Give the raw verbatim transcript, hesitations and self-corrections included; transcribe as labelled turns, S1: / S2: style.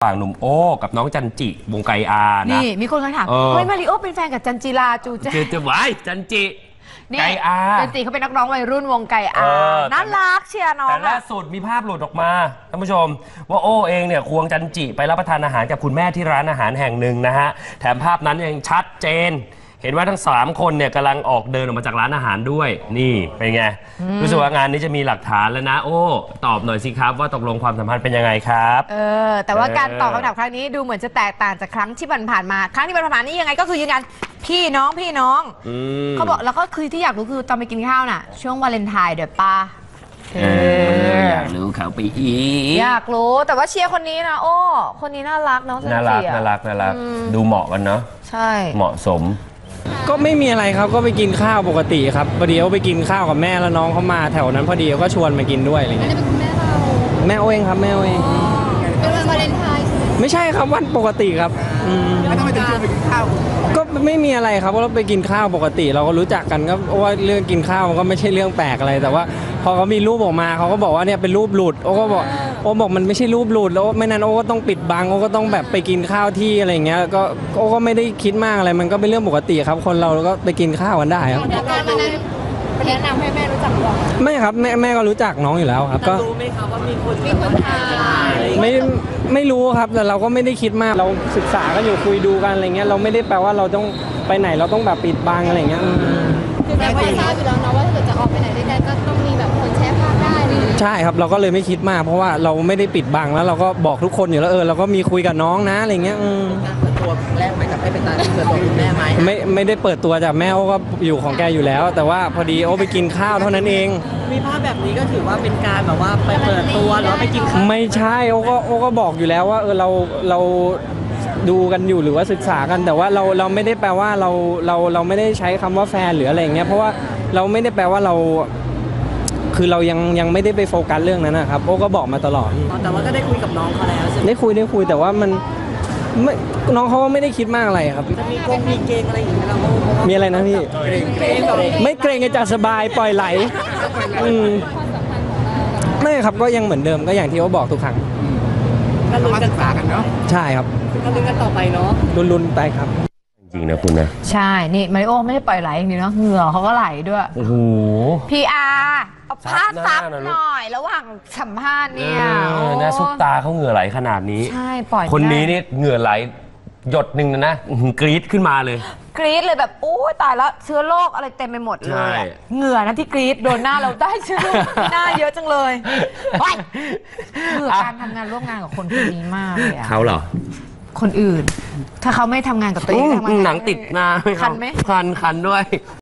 S1: ฝั่งหนุ่มโอ้กับน้องจันจิวงไกอานะ
S2: นี่มีคนเคยถามเฮ้ยมาริโอเป็นแฟนกับจันจิราจูเจ
S1: จะไว้จันจิไกอา
S2: จันจิเขาเป็นนักร้องวัยรุ่นวงไกอาน่ารักเชียร์น้อง
S1: แต่ล่าสุดมีภาพหลุดออกมาท่านผู้ชมว่าโอ้เองเนี่ยควงจันจิไปรับประทานอาหารกับคุณแม่ที่ร้านอาหารแห่งหนึ่งนะฮะแถมภาพนั้นยังชัดเจนเห็นว่าทั้งสามคนเนี่ยกำลังออกเดินออกมาจากร้านอาหารด้วยนี่เป็นไงรู้สึกว่างานนี้จะมีหลักฐานแล้วนะโอ้ตอบหน่อยสิครับว่าตกลงความสัมพันธ์เป็นยังไงครับ
S2: เออแต่ว่าการตอบคำถามครั้งนี้ดูเหมือนจะแตกต่างจากครั้งที่ผ่านมาครั้งที่ผ่านมานี่ยังไงก็คือยืนยันพี่น้องพี่น้องเขาบอกแล้วก็คือที่อยากรู้คือตอนไปกินข้าวน่ะช่วงวาเลนไทน์เดี๋ยวป้า
S1: อยากรู้เขาไปอีก
S2: อยากรู้แต่ว่าเชียร์คนนี้นะโอ้คนนี้น่ารักน้อง
S1: น่ารักน่ารักน่ารักดูเหมาะกันเนาะ
S2: ใช่
S1: เหมาะสม
S3: ก็ไม่มีอะไรครับก็ไปกินข้าวปกติครับพอดีเขาไปกินข้าวกับแม่แล้วน้องเขามาแถวนั้นพอดีเขาก็ชวนมากินด้วยอะไรเงี้ย
S4: อันนี้เป็นคุณแม่เรา
S3: แม่เองครับแม่เอง
S4: เป็นวันวาเลนไทน์
S3: ไม่ใช่ครับวันปกติครับ
S5: แล้วทำไมถึงชวนไปกินข้าว
S3: ก็ไม่มีอะไรครับเราไปกินข้าวปกติเราก็รู้จักกันก็ว่าเรื่องกินข้าวมันก็ไม่ใช่เรื่องแปลกอะไรแต่ว่าพอเขามีรูปออกมาเขาก็บอกว่าเนี่ยเป็นรูปหลุดโอ้ก็บอกโอ้บอกมันไม่ใช่รูปหลุดแล้วไม่นั้นโอ้ก็ต้องปิดบังโอ้ก็ต้องแบบไปกินข้าวที่อะไรเงี้ยก็โอ้ก็ไม่ได้คิดมากอะไรมันก็เป็นเรื่องปกติครับคนเราก็ไปกินข้าวกันได้ครับ
S4: แนะนำให้แม่รู้จักหรอ
S3: ไม่ครับแม่แม่ก็รู้จักน้องอยู่แล้วครับก็
S4: รู้ไหมครับว่ามีคนมีคนถ่าย
S3: ไม่ไม่รู้ครับแต่เราก็ไม่ได้คิดมากเราศึกษากันอยู่คุยดูกันอะไรเงี้ยเราไม่ได้แปลว่าเราต้องไปไหนเราต้องแบบปิดบังอะไรเงี้ย
S4: คือแม่ก็ทราบอยู่แล้วนะว่าถ้าเกิดจะออกไปไหนด้วยกันก็ต้องมีแบบคนแชร์ภาพได้เลย
S3: ใช่ครับเราก็เลยไม่คิดมากเพราะว่าเราไม่ได้ปิดบังแล้วเราก็บอกทุกคนอยู่แล้วเออเราก็มีคุยกับน้องนะอะไรเงี้ย
S5: การเปิดตัวแรกไม่กับไม่เป็นการเปิดตัวคุณแม่ไหม
S3: ไม่ไม่ได้เปิดตัวจากแม่โอ้ก็อยู่ของแกอยู่แล้วแต่ว่าพอดีโอ้ไปกินข้าวเท่านั้นเอง
S5: มีภาพแบบนี้ก็ถือว่าเป็นการแบบว่าไปเปิดตัวหรือไปกินข้าว
S3: ไม่ใช่โอ้ก็โอ้ก็บอกอยู่แล้วว่าเออเราเราดูกันอยู่หรือว่าศึกษากันแต่ว่าเราเราไม่ได้แปลว่าเราเราเราไม่ได้ใช้คำว่าแฟนหรืออะไรอย่างเงี้ยเพราะว่าเราไม่ได้แปลว่าเราคือเรายังยังไม่ได้ไปโฟกัสเรื่องนั้นนะครับโอ้ก็บอกมาตลอด
S5: แต่ว่าก็ได้คุยกับน้องเขาแล้วใช่ไหม
S3: ได้คุยได้คุยแต่ว่ามันไม่น้องเขาก็ไม่ได้คิดมากอะไรครับ
S5: จะมีกงมีเกงอะไรอย่างเงี้ยเรา
S3: มีอะไรนะพี่ไม่เกรงจะสบายปล่อยไหลอืมไม่ครับก็ยังเหมือนเดิมก็อย่างที่โอ้บอกทุกครั้ง
S5: ก็ลุ้นกันฝากันเนาะ
S3: ใช่ครับ
S5: ก็ลุ้นกันต่อไปเนาะ
S3: ลุ้นๆไปครับ
S1: จริงนะคุณนะ
S2: ใช่นี่มาริโอไม่ได้ปล่อยไหลอย่างนี้เนาะเหงื่อเขาก็ไหลด้วย
S1: โอ้โห
S2: พีอาร์เอาผ้าซับหน่อยระหว่างสัมภาษณ์เนี่ย
S1: นะซุปตาเขาเหงื่อไหลขนาดนี้
S2: ใช่ปล่อย
S1: คนนี้นี่เหงื่อไหลหยดหนึ่งนะนะกรี๊ดขึ้นมาเลย
S2: กรี๊ดเลยแบบโอ้ยตายแล้วเชื้อโรคอะไรเต็มไปหมดเลยเหงื่อนะที่กรี๊ดโดนหน้าเราได้เชื้อโรคหน้าเยอะจังเลยเหงื่อการทำงานร่วมงานกับคนคนนี้มากเลยอะ
S1: เขาเหรอ
S2: คนอื่นถ้าเขาไม่ทำงานกับตัวเอง
S1: หนังติดหน้า
S2: คันไหม
S1: คันคันด้วย